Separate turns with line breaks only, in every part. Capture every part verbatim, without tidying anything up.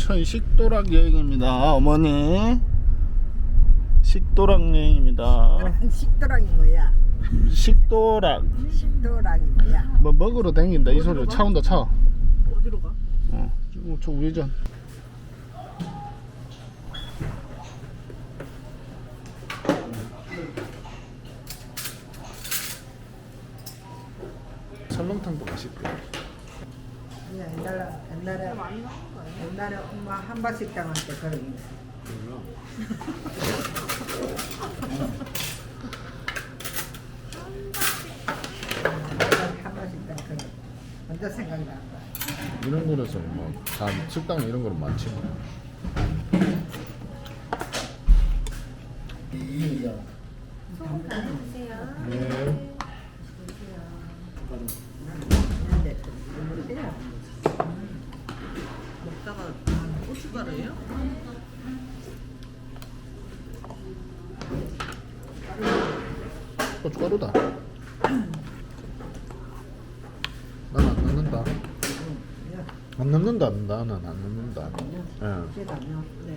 인천 식도락 여행입니다. 어머니 식도락 여행입니다.
식도락이 뭐야?
식도락
식도락이 뭐야?
뭐 먹으러 다닌다 이 소리. 차 온다 차.
어디로 가?
어, 저, 저 우회전. 설렁탕도 맛있대.
그냥 옛날에 옛날에 옛날에 엄마 한바식당 할 때 그런 게 있어. 한바식당 그런 거 먼저 생각나.
이런 거라서 뭐다 식당 이런 거는 많지. 네.
근데 눈물이 돼요.
먹다가 고춧가루예요?
고춧가루다. 난 안 넣는다. 안 넣는다. 나는 안 넣는다. 예.
제가 안
네.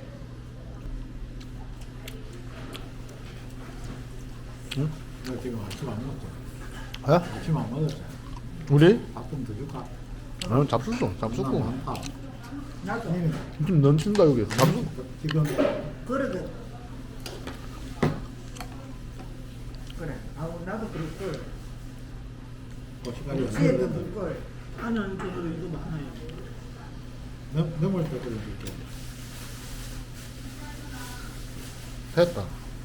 응?
너 지금 아침 안 먹었죠?
아?
아침 안 먹었죠?
우리?
밥 좀 더 줄까?
아, 잡수소. 잡수고.
많다.
나도
좀 넘친다 여기. 잡수.
지금
그러게. 그래. 아우 나도 그럴 걸.
고춧가루
육수에도 그럴 걸.
아니 아니 저도 이거 많아요.
넘 넘을 때 끓여줄게.
됐다.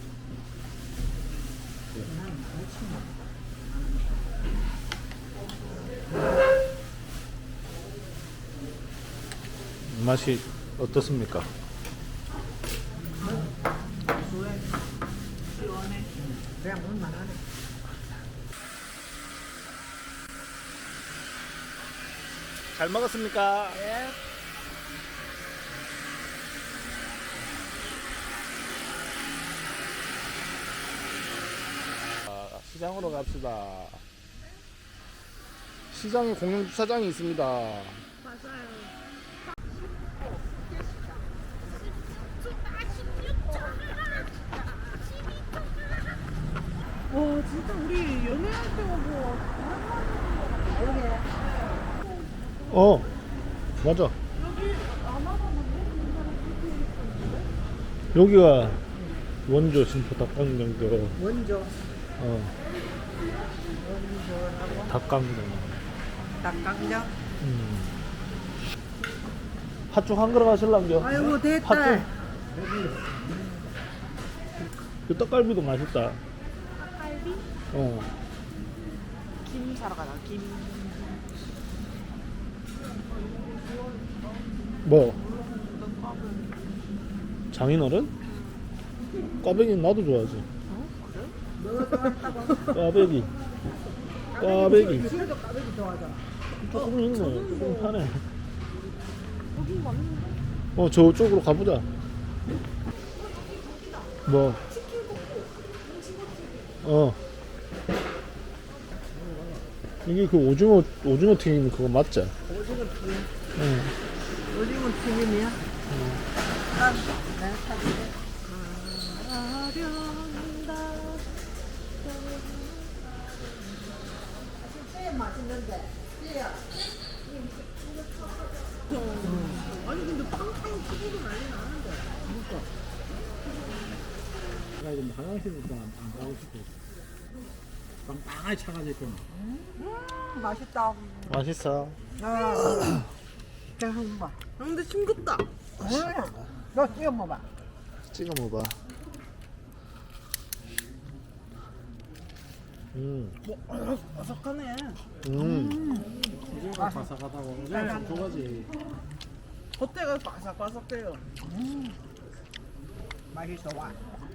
맛이 어떻습니까?
수해 시원해.
그냥 물만 하네.
잘 먹었습니까?
예.
아, 시장으로 갑시다. 시장에 공영 주차장이 있습니다.
맞아요. 와 진짜 우리 연애할 때가 뭐
어, 맞아.
여기 안 와봤는데?
여기가 원조 신포 닭강정교.
원조.
어,
원조라고.
닭강정.
닭강정.
음. 팥죽 한 그릇 하실랑겨?
아이고 됐다.
팥죽. 그 떡갈비도 맛있다.
떡갈비?
어.
김 사러 가자. 김.
뭐?
떡밥은.
장인어른? 꽈배기는 나도 좋아하지.
뭐 좋아한다고?
꽈배기. 꽈배기.
지금도 까베기 좋아하잖아.
조금 있네. 조금 파네.
여기 맞는데?
어, 저쪽으로 가보자. 뭐? 어. 이게 그 오징어, 오징어 튀김 그거 맞지?
오징어 튀김.
응.
오징어 튀김이야? 난 내가 사줄게. 진짜 맛있는데. 찌야.
아니 근데 빵빵 튀기고 난리 나는데.
나 이제 화장실부터 안, 안 가고 싶어. 빵빵하게 차가지고 있구나.
음, 맛있다.
맛있어.
아, 자, 한번 봐.
아, 근데 싱겁다.
뭐야? 너 찍어 먹어봐.
찍어 먹어봐. 음.
아삭하네.
음.
오징어가 바삭하다고. 오징어 좀 좋아하지.
겉에가 바삭바삭해요.
맛이 좋아.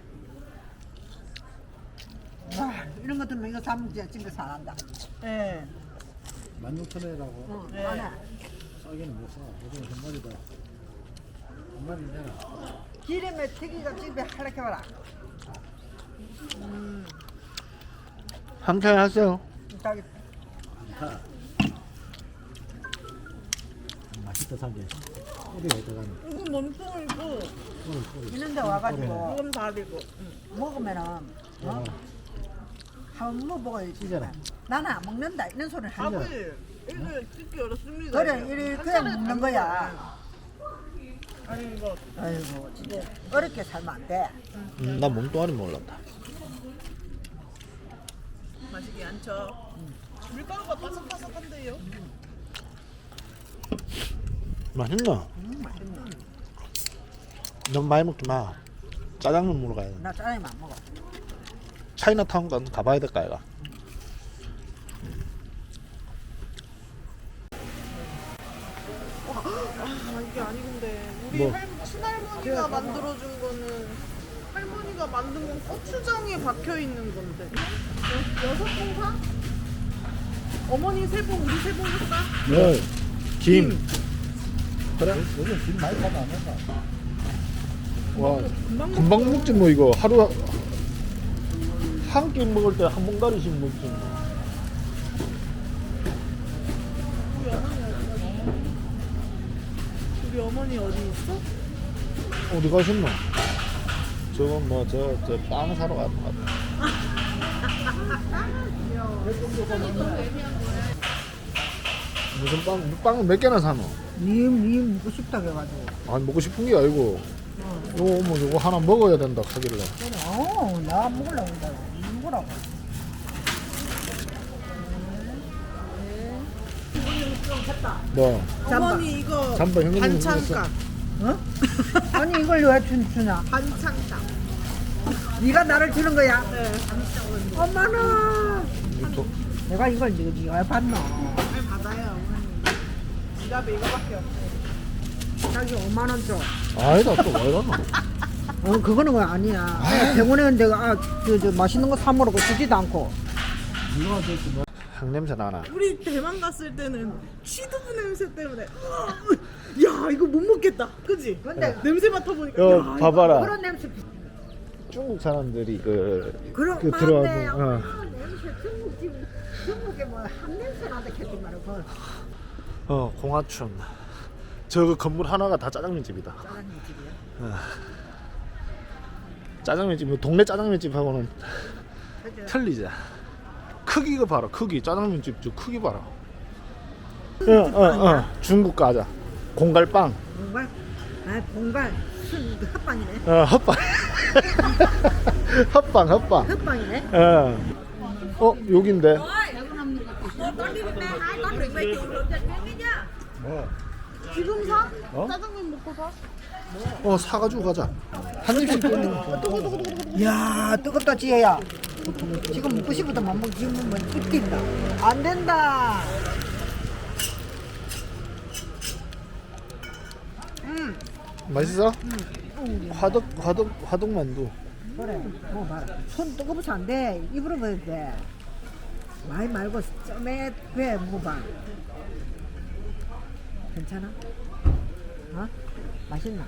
와, 이런 거 들으면 이거 사면 진짜 진짜 잘한다.
예.
만 육천 원이라고.
응,
네.
안해.
싸게는 못 사. 오징어 한 마리다. 한 마리 내라.
기름에 튀기가 집에 할락해봐라.
한캔 하세요.
저기
자. 맛있 그때 산게 꼬리가 들어가는.
이건 몸통이고
꼬리 꼬리.
이런데 와가지고
이건 다리고. 응.
먹으면은 어? 한번 먹어야지.
찢어라.
나는 안 먹는다 이런 소리를 하는 거야.
밥을 이거 찍기 어렵습니다.
그래
이거.
이리
한
그냥
차례
먹는
담는
거야.
아니 이거
아이고 진짜 어렵게 살면 안 돼.
음, 나 몸뚱아리 몰랐다.
마시기 않죠. 밀가루가 바삭바삭한데요.
맛있나?
음, 맛있네.
너무 많이 먹지 마. 짜장면 먹으러 가야 돼.
나 짜장면 안 먹어.
차이나타운 가 가봐야 될까 이가.
아 이게 아니근데 우리
뭐?
할, 친할머니가 만들어준 거는 할머니가 만든 건 고추장에 박혀 있는 건데 여, 여섯 봉 사? 어머니 세 봉, 우리 세 봉 사?
네. 김.
그래? 요즘 김 많이 사도 안 된다. 와,
금방
금방 먹지 뭐 이거 하루 한 끼 먹을 때 한 봉다리씩 먹지 뭐.
우리 어머니 어디 갔어? 우리 어머니 어디 있어?
어디 가셨노? 저건 뭐저 저 빵 사러 갔는 것 같아. 무슨 빵 빵을 몇 개나 사노?
님, 님 먹고 싶다 해가지고.
아니 먹고 싶은 게 아니고 요거 뭐 요거 하나 먹어야 된다 하길래.
그래, 어, 나 먹으려고 한다고. 먹으라고.
뭐
어머니 이거
잠바 형님
반찬값
어? 아니 이걸 왜 주, 주냐?
반찬값
네가 나를 주는 거야?
네
엄마는 내가 이걸 네가 네가 왜 받노?
잘 받아요 어머니 지갑에 이거밖에 없어
자기 오만 원 줘.
아니다 또 왜 이러노?
어 그거는 거 아니야. 내가 병원에 내가 아, 저, 저 맛있는 거 사 먹으라고 주지도 않고.
향 냄새 나나?
우리 대만 갔을 때는 취두부 냄새 때문에 야 이거 못 먹겠다 그지?
근데
냄새 맡아보니까
요
야,
봐봐라.
그런 냄새
중국 사람들이 그,
그런
그
맞네.
들어와서 어.
아, 냄새 중국집 중국에 뭐한 냄새 나다 했지 말고 그
어 공화춘 저 건물 하나가 다 짜장면 집이다.
짜장면 집이야.
짜장면 집 동네 짜장면 집하고는
그죠?
틀리지. 크기가 봐라 크기 짜장면 집 저 크기 봐라. 어어어 어, 어. 중국 과자 공갈빵.
공갈? 아 공갈 순 헛빵이네.
어 헛빵 헛빵 헛빵.
헛빵이네.
어. 어 여긴데. 뭐?
지금 사?
어?
짜장면 먹고 사?
어 사가지고 가자. 한 입씩 뜯는.
야 뜨겁다 지혜야. 지금 먹고 싶어도 못 먹. 지금 뭐 입긴다. 안 된다. 음
맛있어? 화덕 화덕 화덕 만두.
그래 뭐 봐라. 손 뜨거워서 안 돼. 입으로 먹어야 돼. 많이 말고 쩌매 배 먹어봐. 괜찮아? 어? 맛있나?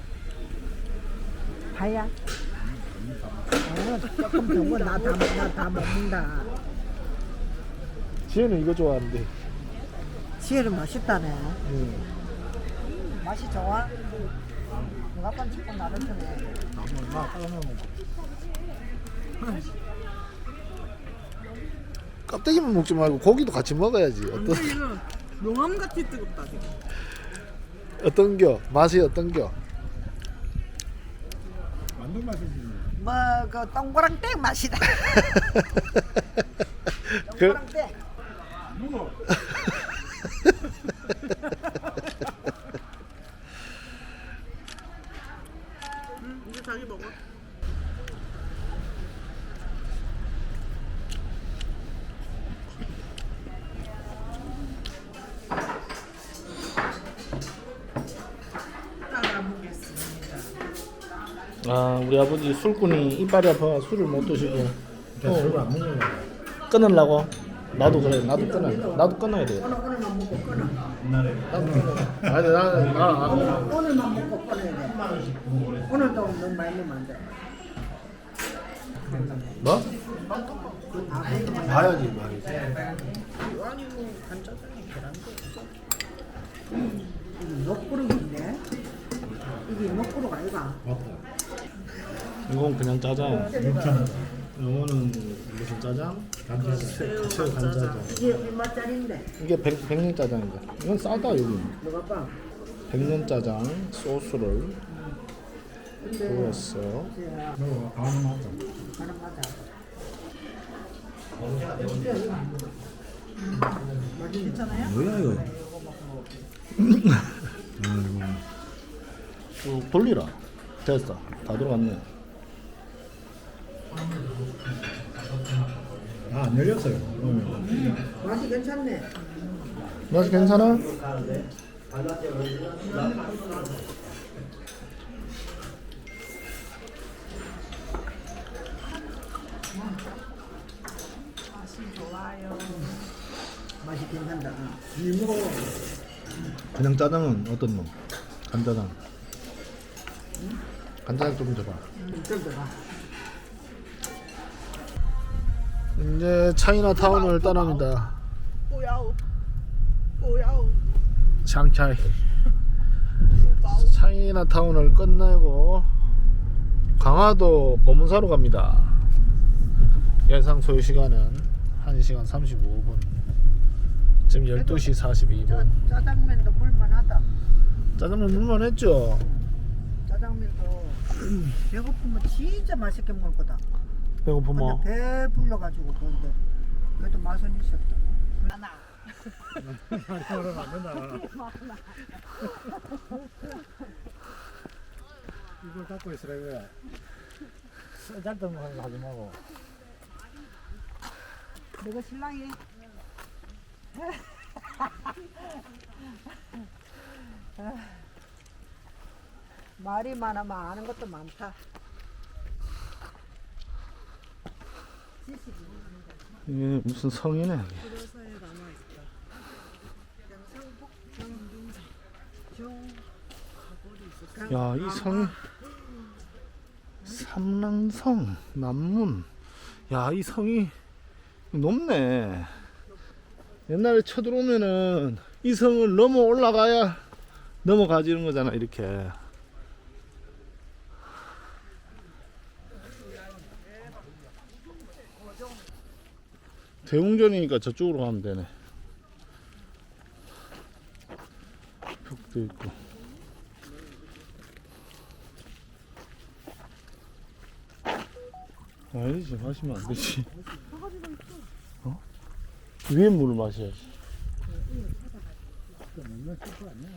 다야? 어, 조금 더워. 나다나다 먹는다.
지혜는 이거 좋아하는데.
지혜는 맛있다네.
음.
맛이 좋아? 누가 건 조금 나를 주네.
껍데기만 먹지 말고 고기도 같이 먹어야지. 어떤
근데 이거 용암같이 뜨겁다 지금
어떤겨? 맛이 어떤겨?
만두 맛이지.
뭐그 동그랑땡 맛이다.
그
동그랑땡.
누구?
응 이제 자기 먹어 따라보겠습니다
아 우리 아버지 술꾼이 이빨이 아파 술을 못 드시고
술을 안 먹는 거야.
끊으려고. 나도 그래 나도 끊어 나도 끊어야 돼.
오늘 오늘만 먹고 끊어.
아니 나는 나 아,
오늘만 먹고 끊어야 돼. 오늘도 너무 많이 먹으면 안 돼.
뭐? 봐야지 봐야지.
아니 뭐 간짜장에 계란도 없어
먹구름인데 이게 먹구름 아이가?
맞다.
이건 그냥 짜장.
육천
이거는 무슨 짜장?
간짜장.
새우 간짜장.
이게 얼마짜리인데?
이게 백, 백년 짜장인데. 이건 싸다 여기.
뭐가 봐?
백년 짜장 소스를
근데
부었어요.
너 가는 맞다.
가는 맞아.
괜찮아요?
뭐야 이거?
쭉 돌리라. 됐어. 다 들어갔네.
아, 안 열렸어요.
맛이 괜찮네.
맛이 괜찮아?
맛이 좋아요.
맛이 괜찮다.
이 먹어.
그냥 짜장은 어떤 놈? 간짜장. 간짜장 좀 줘봐.
좀 더 봐.
이제 차이나타운을 떠납니다.
꼬야오. 꼬야오.
샹차이.
후바오.
차이나타운을 끝내고 강화도 보문사로 갑니다. 예상 소요 시간은 한 시간 삼십오 분. 지금 열두 시 사십이 분.
저 짜장면도 물만하다.
짜장면 물만 했죠?
짜장면도 배고프면 진짜 맛있게 먹을 거다.
배고프면
근데 배 불러가지고 그런데 그래도 맛은 있었다. 하나.
그러면 안 된다. 이걸 갖고 있으라 이거야. 쓰잘데없는 거 하지 말고.
내가 신랑이 말이 많으면 아는 것도 많다.
이게 무슨 성이네.
그래서에 남아있다.
경상북
중
야, 이 성이 삼랑성 남문. 야, 이 성이 높네. 옛날에 쳐들어오면은 이 성을 넘어 올라가야 넘어가지는 거잖아, 이렇게. 대웅전이니까 저쪽으로 가면 되네. 벽도 있고. 아니지, 마시면 안 되지. 어? 위에 물을 마셔야지.
먹는 거 아니야.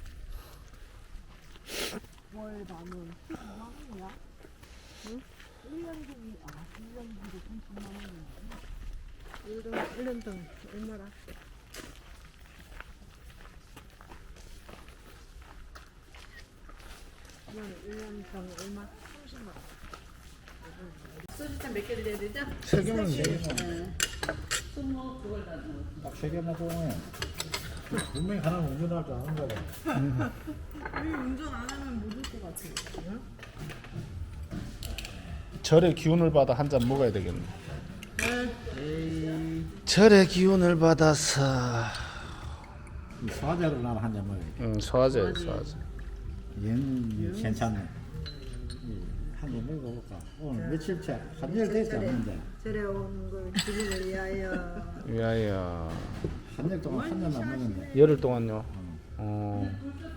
월 반은 십오만 원이야. 응? 일 년 중이 아 일 년 중에 삼십만 원이야. 일 년 일 년 동 얼마라? 일 년 동 얼마? 삼십만 원.
소주잔 몇 개 드려야 되죠?
세 개만 세 개만. 딱세 개만 보면 분명히 하나 운전할 줄 아는 거다.
우리 운전 안 하면 못 올 것 같아.
절의 기운을 받아 한 잔 먹어야 되겠네. 절의 기운을 받아서.
이 소화제로 나는 한잔 먹어.
응, 소화제, 소화제.
얘는 괜찮네. 한잔 먹어볼까? 오늘 며칠째 한일 되지 않는데
절에 오는 걸 기분을 위하여.
위하여.
한일 동안 한 잔 안 먹었네.
열흘 동안요. 어.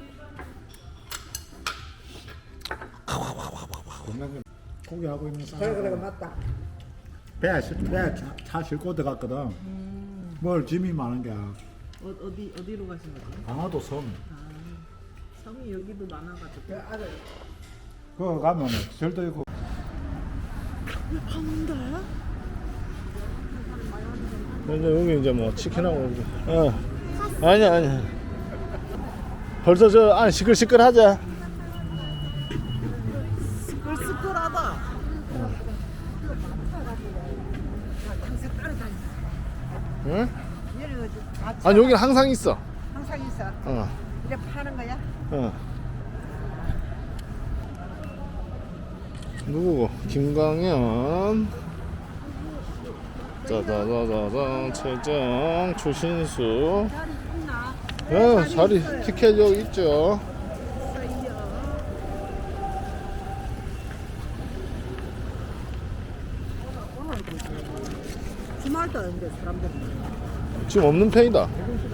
건강 고기하고 있는
그래 그래
사람
맞다.
배에 배차 싣고 들어갔거든. 뭘 짐이 많은 게
어, 어디 어디로 가신 거죠?
강화도 섬.
섬이 여기도 많아가지고.
그 아들
그거 가면 절도 있고.
한다야?
이제 여기 이제 뭐 치킨하고 이제. 어. 아니야, 아니야. 벌써 저 안에 시끌시끌하자.
스끌스끌하다.
응?
얘는 다
아, 여기는 항상 있어.
항상 있어.
어.
이래 파는 거야?
어. 누구고? 김광현. 짜자자자자 최정 추신수.
자리 있나?
어, 자리 티켓 여기 있죠.
주말도 아닌데 사람들이.
지금 없는 편이다.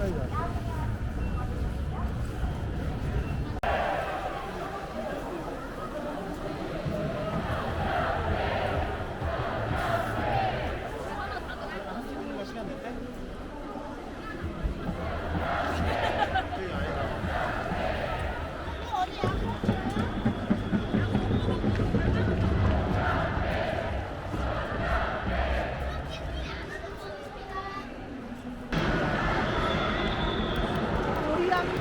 우리랑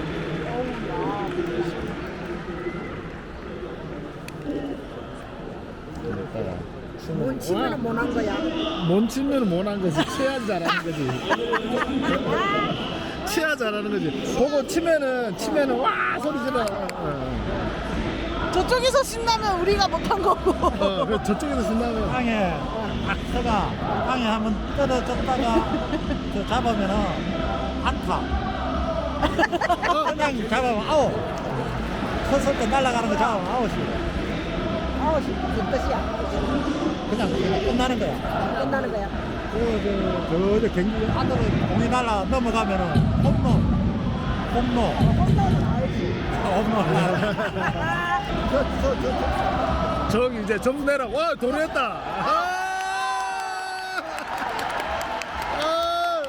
뭔 치면은 못한 거야.
못 치면 못한 거지. 치야 잘하는 거지. 치야 잘하는 거지. 보고 치면은 치면은 와 소리 질러. 어,
저쪽에서 신나면 우리가 못한 거고.
어, 그 저쪽에서 신나면
땅에 박서가 땅에 한번 떨어졌다가 저 잡으면은 안타. 그냥 잡으면 아웃. 컸을 때 날아가는 거 잡으면 아웃이.
아웃이 무슨 뜻이야?
그냥 그냥 끝나는 거야.
끝나는 거야.
그, 저, 저, 경기 안으로 공이 날아 넘어가면은 홈런. 홈런.
홈런은 알지.
홈런.
저, 저, 저,
저기 이제 점수 내라. 와 도래했다. 아! 아!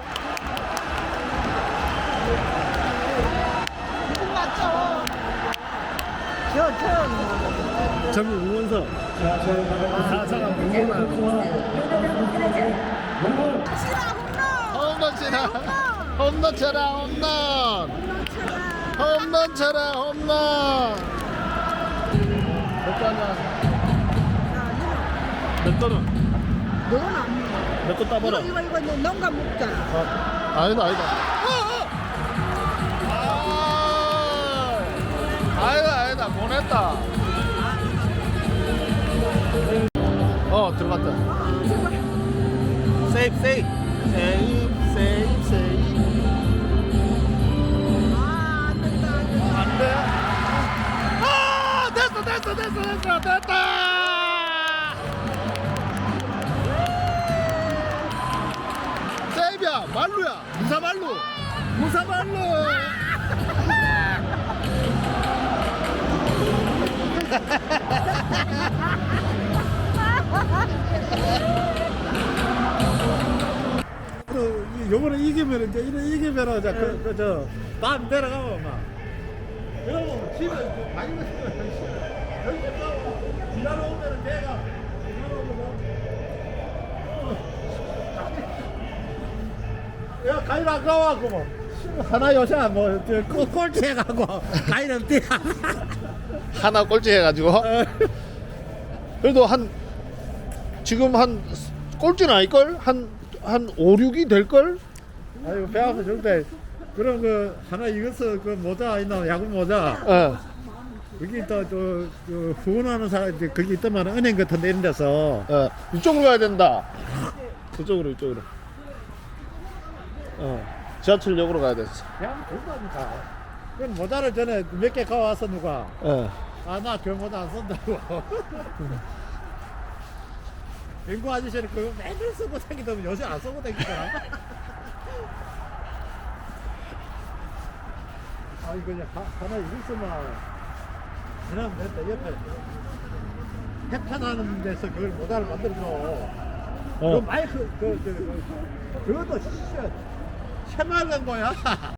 기분 맞죠?
저, 저.
저기 응원서. 다 사람 응원하. 홈런 치라. 홈런 쳐라 홈런. 홈런 쳐라 홈런. 몇거 하냐? 몇 거는?
너는 안 먹어.
몇 거 따봐라.
이거, 이거, 이거, 농가 먹잖아.
아, 아니다 아니다. 아, 아니다 아니다 보냈다. 어 들어갔다. 세이프 세이프 세이프 세이프 세이프.
아, 안 된다, 안 된다.
안 돼? 아 됐어 됐어 됐어 됐어 됐다. 세이브야 말루야 무사 말루 무사 말루.
그, 요번에 이기면 이제 이래 이기면 이제 그, 그, 저, 다음 내려가면 막. 여러분, 집에 그 많이 먹으면 여기 가고, 지나러 오면은 내가, 지나러 오면 야, 가일 안 가와, 그뭐. 하나 요새 뭐, 저, 꼴- 꼴찌 해가고, 가일은 뛰어.
하나 꼴찌 해가지고 그래도 한 지금 한 꼴찌는 아닐걸? 한, 한 오, 육이 될걸?
아이고, 배 아파 죽을 때. 그럼 그, 하나 이것을 그 모자 있나, 야구 모자.
어.
여기 또, 또, 그 후원하는 사람, 이제 거기 있더만 은행 같은 데 이런 데서.
어. 이쪽으로 가야 된다. 이쪽으로 이쪽으로 어. 지하철역으로 가야 됐어.
그냥 그거니까. 그 모자를 전에 몇 개 가와서 누가.
어.
아, 나 그 모자 안 쓴다고. 연구 아저씨는 그거 맨날 쓰고 다니더면 요새 안 쓰고 다니잖아. 아, 이거 이제 하, 하나 이랬으면. 그냥 냈다, 옆에. 해판하는 데서 그걸 모자를 만들어줘. 그 마이크, 그, 그, 그, 그것도 진짜. 새말간 거야.